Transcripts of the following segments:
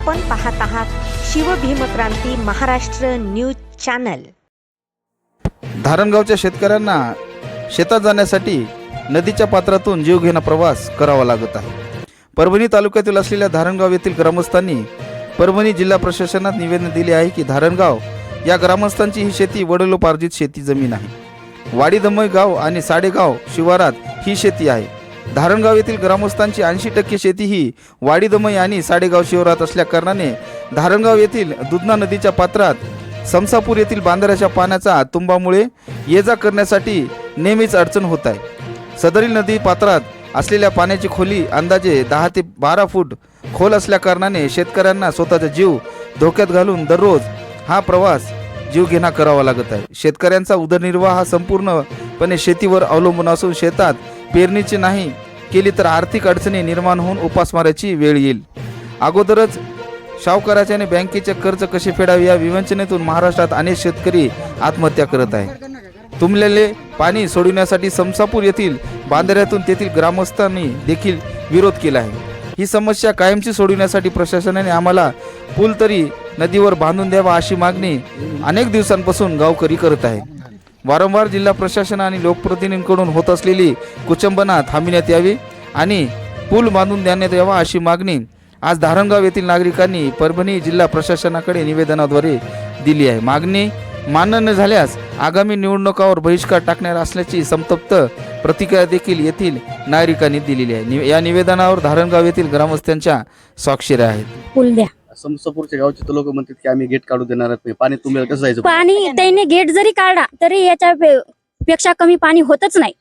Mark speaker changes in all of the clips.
Speaker 1: आपण पाहत आहात शिवभीमक्रांती महाराष्ट्र न्यूज चॅनल।
Speaker 2: धारणगावच्या शेतकऱ्यांना शेतात जाण्यासाठी नदीच्या पात्रातून जीवघेणा प्रवास करावा लागत आहे। परभणी तालुक्यातील असलेल्या धारणगाव येथील ग्रामस्थांनी परभणी जिल्हा प्रशासनात निवेदन दिले आहे की धारणगाव या ग्रामस्थांची ही शेती वडिलोपार्जित शेती जमीन आहे। वाडीधमई गाव आणि साडेगाव शिवारात ही शेती आहे। धारणगाव येथील ग्रामस्थांची 80% शेती ही वाडीधमई आणि साडेगाव शिवारात असल्या कारणाने धारणगाव येथील दुधना नदीच्या पात्रात समसापूर येथील बांधाऱ्याच्या पाण्याचा तुंबामुळे ये जा करण्यासाठी नेहमीच अडचण होत आहे। सदरील नदी पात्रात असलेल्या पाण्याची खोली अंदाजे 10 ते 12 फूट खोल असल्या कारणाने शेतकऱ्यांना स्वतःचा जीव धोक्यात घालून दररोज हा प्रवास जीवघेणा करावा लागत आहे। शेतकऱ्यांचा उदरनिर्वाह हा संपूर्णपणे शेतीवर अवलंबून असून शेतात पेरणीची नाही केली तर आर्थिक अडचणी निर्माण होऊन उपासमारीची वेळ येईल। अगोदरच सावकाराचे आणि बँकेचे कर्ज कसे फेडावे या विवंचनेतून महाराष्ट्रात अनेक शेतकरी आत्महत्या करत आहेत। तुंबलेले पाणी सोडविण्यासाठी समसापूर येथील बांधाऱ्यातून तेथील ग्रामस्थांनी देखील विरोध केला आहे। ही समस्या कायमची सोडविण्यासाठी प्रशासनाने आम्हाला पूल तरी नदीवर बांधून द्यावा अशी मागणी अनेक दिवसांपासून गावकरी करत आहेत। वारंवार जिल्हा प्रशासन आणि लोकप्रतिनिधींकडून होत असलेली कुचंबना थांबविण्यात यावी आणि पूल बांधून देण्यात यावा अशी मागणी आज धारणगाव येथील नागरिकांनी परभणी जिल्हा प्रशासनाकडे निवेदनाद्वारे दिली आहे। मागणी मान्य न झाल्यास आगामी निवडणुकावर बहिष्कार टाकणार असल्याची संतप्त प्रतिक्रिया देखील येथील नागरिकांनी दिलेली आहे। या निवेदनावर धारणगाव येथील ग्रामस्थांच्या स्वाक्षऱ्या आहेत।
Speaker 3: पूल द्या।
Speaker 4: समसापूरच्या गावचे तर लोक म्हणतात की आम्ही गेट काढू देणार नाही, पाणी तुंबेल कसं जायचं?
Speaker 3: पाणी त्याने गेट जरी काढला तरी याच्या पेक्षा कमी पाणी होतच नाही।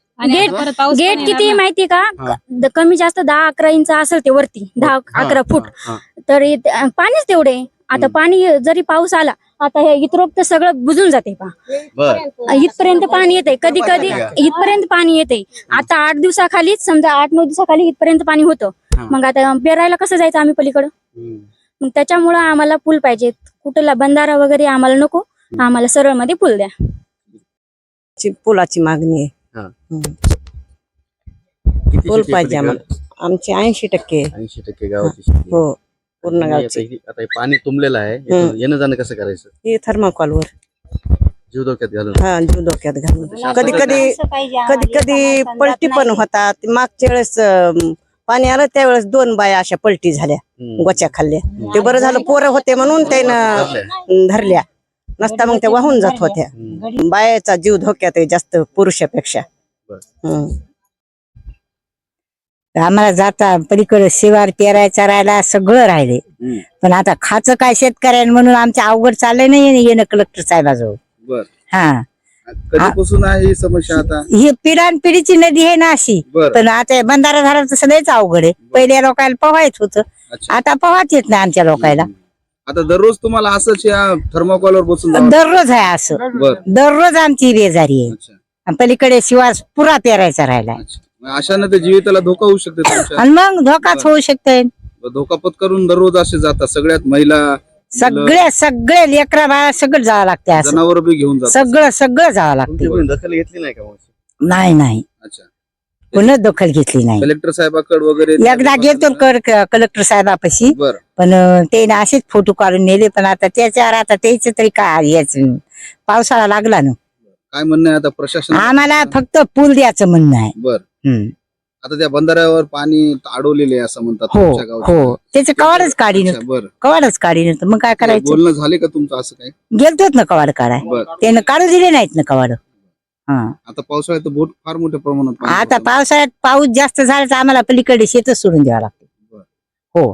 Speaker 3: गेट किती माहिती का? कमी जास्त 10-11 इंच असेल ते वरती 10-11 फूट तर पाणीच तेवढे। आता पाणी जरी पाऊस आला आता हे इतरोक्त सगळं बुजून जाते इथपर्यंत पाणी येते, कधी कधी इथपर्यंत पाणी येते। आता 8 दिवसाखाली समजा 8-9 दिवसाखाली इथपर्यंत पाणी होतं, मग आता पेरायला कसं जायचं आम्ही पलीकडं? मग त्याच्यामुळं आम्हाला पूल पाहिजे। कुठला बंधारा वगैरे आम्हाला नको, आम्हाला सरळ मध्ये पूल द्या।
Speaker 5: पुलाची मागणी आहे। पूल पाहिजे आम्हाला। आमची 80%
Speaker 4: 80% गावाची शेती
Speaker 5: हो, पूर्ण
Speaker 4: आणि
Speaker 5: गावची।
Speaker 4: आता हे पाणी तुंबलेलं आहे, इथून येणं जाणं कसं करायचं?
Speaker 5: हे थर्माकॉलवर
Speaker 4: जीव धोक्यात घालून
Speaker 5: हा जीव धोक्यात घालून कधी कधी पलटी पण होतात। मागच्या वेळेस पाणी आलं त्यावेळेस 2 बाया अशा पलटी झाल्या, गोच्या खाल्ल्या। ते बरं झालं पोरं होते म्हणून त्यानं धरल्या, नसता मग त्या वाहून जात होत्या। बायाचा जीव धोक्यात आहे जास्त पुरुषापेक्षा।
Speaker 6: आम्हाला जाता पलीकडे शिवार पेरायचा राहिला सगळं राहिले, पण आता खाचं काय शेतकऱ्यांना म्हणून आमच्या अवघड चाललंय नाही येणं कलेक्टर साहेबाजवळ। हा
Speaker 2: कधीपासून आहे ही समस्या? आता
Speaker 6: ही पिढ्यानपिढीची नदी आहे ना अशी, पण आता बंधारा झाला तर सगळेच अवघड आहे। पहिल्या लोकांना पोहायच होतं, आता पोहाच येत नाही आमच्या लोकांना।
Speaker 2: आता दररोज तुम्हाला असंच या थर्माकॉलवर बसून
Speaker 6: दररोज आहे असं, दररोज आमची बेजारी आहे। पलीकडे शिवार पुरा पेरायचा राहिला,
Speaker 2: अशाने ते जीविताला धोका होऊ शकते
Speaker 6: आणि मग धोकाच होऊ शकतोय।
Speaker 2: धोका पत्करून दररोज असे जातात सगळ्यात महिला
Speaker 6: सगळे लेकरा बाळा सगळं जावं लागते, असं
Speaker 2: जनावर बी घेऊन जातात,
Speaker 6: सगळं जावं लागते।
Speaker 4: दखल घेतली नाही का?
Speaker 6: नाही
Speaker 2: अच्छा,
Speaker 6: पुन्हा दखल घेतली नाही।
Speaker 2: कलेक्टर साहेबाकडे वगैरे
Speaker 6: एकदा गेलो कलेक्टर साहेबापाशी, पण ते असेच फोटो काढून नेले। पण आता त्याच्यावर आता त्याच तरी काय याच पावसाळा लागला ना,
Speaker 2: काय म्हणणं आहे आता प्रशासन?
Speaker 6: आम्हाला फक्त पूल द्यायचं म्हणणं आहे।
Speaker 2: बर, आता त्या बंधाऱ्यावर पाणी अडवलेले असं म्हणतात
Speaker 6: हो
Speaker 2: तुमच्या गावात?
Speaker 6: हो, त्याचं कवाडच काढीन,
Speaker 2: बर,
Speaker 6: कवाडच काढीन, मग काय करायचं?
Speaker 2: बोलणं झाले का तुमचं असं काय?
Speaker 6: गेलतोच ना कवाड काढाय, त्यानं काढू दिले नाहीत ना कवाड।
Speaker 2: आता पावसाळ्यात तर बोट फार मोठ्या प्रमाणात पाणी
Speaker 6: आता
Speaker 2: होतं.
Speaker 6: पावसाळ्यात पाऊस जास्त झाला तर आम्हाला पलीकडे शेतच सोडून द्यावं लागतं। हो,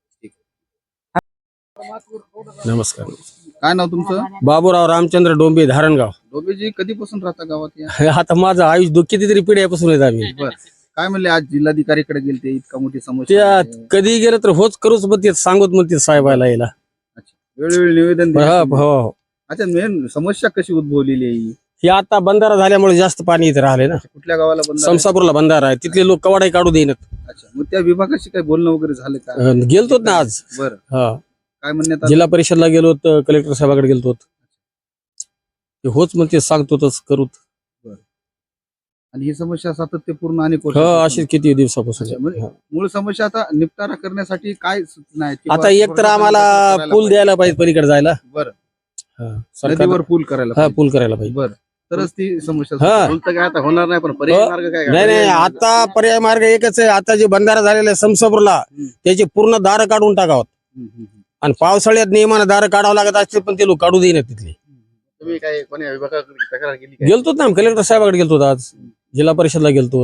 Speaker 7: नमस्कार,
Speaker 2: काय नाव तुमचं?
Speaker 7: बाबूराव रामचंद्र डोंबे, धारणगाव।
Speaker 2: डोबेजी कधीपासून राहता गावात या?
Speaker 7: आता माझं आयुष कितीतरी पिढ्यापासून येत आम्ही।
Speaker 2: बर, काय म्हणले आज जिल्हाधिकारीकडे गेलते, इतका मोठी समस्या
Speaker 7: त्या
Speaker 2: आहे.
Speaker 7: कधी गेलं तर होच करूच म्हणते, सांगत म्हणते साहेबाला यायला।
Speaker 2: अच्छा, वेळोवेळी निवेदन दिले
Speaker 7: हो
Speaker 2: तुम्ही?
Speaker 7: हो,
Speaker 2: अच्छा, मेन समस्या कशी उद्भवलेली आहे ही?
Speaker 7: हे आता बंधारा झाल्यामुळे जास्त पाणी इथे राहिले ना।
Speaker 2: कुठल्या गावाला बंधारा आहे?
Speaker 7: समसापूरला बंधारा आहे, तिथले लोक कवाडाही काढू देईनात।
Speaker 2: अच्छा, मग त्या विभागाशी काही बोलणं वगैरे झालं का?
Speaker 7: गेलतोत ना आज।
Speaker 2: बर,
Speaker 7: हा,
Speaker 2: काय म्हणण्यात आलं?
Speaker 7: जिल्हा परिषदला गेलो होतो, कलेक्टर साहेबाकडे गेलतो, होच म्हणते सांगतो तस करूत।
Speaker 2: आणि ही समस्या सातत्यपूर्ण अनेक
Speaker 7: हो
Speaker 2: वर्षापासून-
Speaker 7: अशी किती दिवसापासून
Speaker 2: अच्छा, म्हणजे
Speaker 7: हा.
Speaker 2: मूळ समस्या आता निपटारा करण्यासाठी काय सूचना आहेत?
Speaker 7: आता एक तर आम्हाला पूल द्यायला पाहिजे पलीकडे जायला
Speaker 2: बरं
Speaker 7: हा, सरकार
Speaker 2: नदीवर पूल करायला
Speaker 7: हा
Speaker 2: पाहिजे.
Speaker 7: पूल करायला पाहिजे
Speaker 2: बरं तरच ती समस्या
Speaker 7: हा.
Speaker 2: सुटेल.
Speaker 4: पूल तर काय आता होणार नाही पण पर्यायी
Speaker 7: हो.
Speaker 4: मार्ग काय
Speaker 7: नाही नाही आता पर्याय मार्ग एकच आहे. आता जे बंधारा झालेला आहे समसपूरला त्याचे पूर्ण दार काढून टाकावं
Speaker 2: हम्म, हम्म, हम्म.
Speaker 7: आणि पावसाळ्यात नियमानं दार काढावं लागत असते पण ते लोक काढू देईना तिथले.
Speaker 4: तुम्ही काय कोणी विभागाकडे तक्रार केली काय?
Speaker 7: गेलतो ना कलेक्टर साहेबाकडे गेलतो आज जिल्हा परिषदला गेलतो.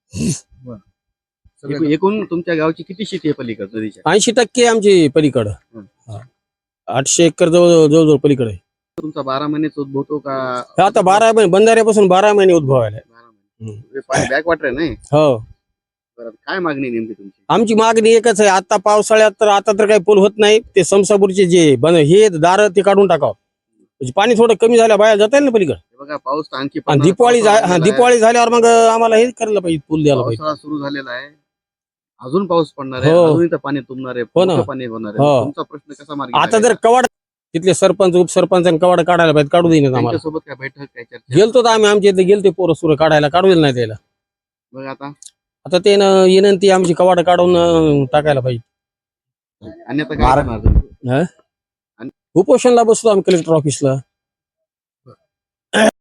Speaker 4: एकूण तुमच्या गावची किती शेती आहे पलीकडे नदीच्या?
Speaker 7: 80% आमची पलीकडं
Speaker 4: हं.
Speaker 7: 800 एकर जवळ पलीकडे
Speaker 4: तुमचा 12 महिनेच उद्भवतो का?
Speaker 7: आता 12 महिने बंधाऱ्यापासून 12 महिने उद्भव आले.
Speaker 4: 12 महिने. पाणी बॅक वाटर नाही.
Speaker 7: हो
Speaker 4: बरं, काय मागणी आहे नेमकी तुमची?
Speaker 7: आमची मागणी एकच आहे. आता पावसाळ्यात तर आता तर काही पूल होत नाही. ते समसापूरचे जे हे दार ते काढून टाकावं म्हणजे पाणी थोडं कमी झालं बाहेर जाता येईल ना पलीकडे.
Speaker 4: हे बघा पाऊस तर आणखी
Speaker 7: आणि
Speaker 4: पडणार,
Speaker 7: दिवाळी
Speaker 4: पावसाळा झालेला आहे.
Speaker 7: दिवाळी झाल्यावर मग आम्हाला हे करायला पाहिजे पूल द्यायला पाहिजे.
Speaker 4: पावसाळा सुरू झालेला आहे, अजून पाऊस पडणार आहे,
Speaker 7: हो.
Speaker 4: अजून इथं पाणी तुंबणार आहे,
Speaker 7: हो ना.
Speaker 4: मोठं पाणी होणार आहे.
Speaker 7: हो.
Speaker 4: तुमचा प्रश्न कसा मार्गी
Speaker 7: आता जर
Speaker 4: लागायचा?
Speaker 7: कवाड तिथले सरपंच उपसरपंच कवाड काढायला पाहिजे काढू देईन आम्हाला.
Speaker 4: त्यांच्यासोबत काय बैठक काय चर्चा?
Speaker 7: गेलतो तर आम्ही आमच्या इथे गेलते पोरं सुरं काढायला काढू दिलं नाही त्याला.
Speaker 4: बघ आता
Speaker 7: आता ते विनंती आमची कवाड काढून टाकायला पाहिजे.
Speaker 4: अन्यथा काय करणार तुम्ही?
Speaker 7: उपोषणला बसतो आम्ही कलेक्टर ऑफिसला.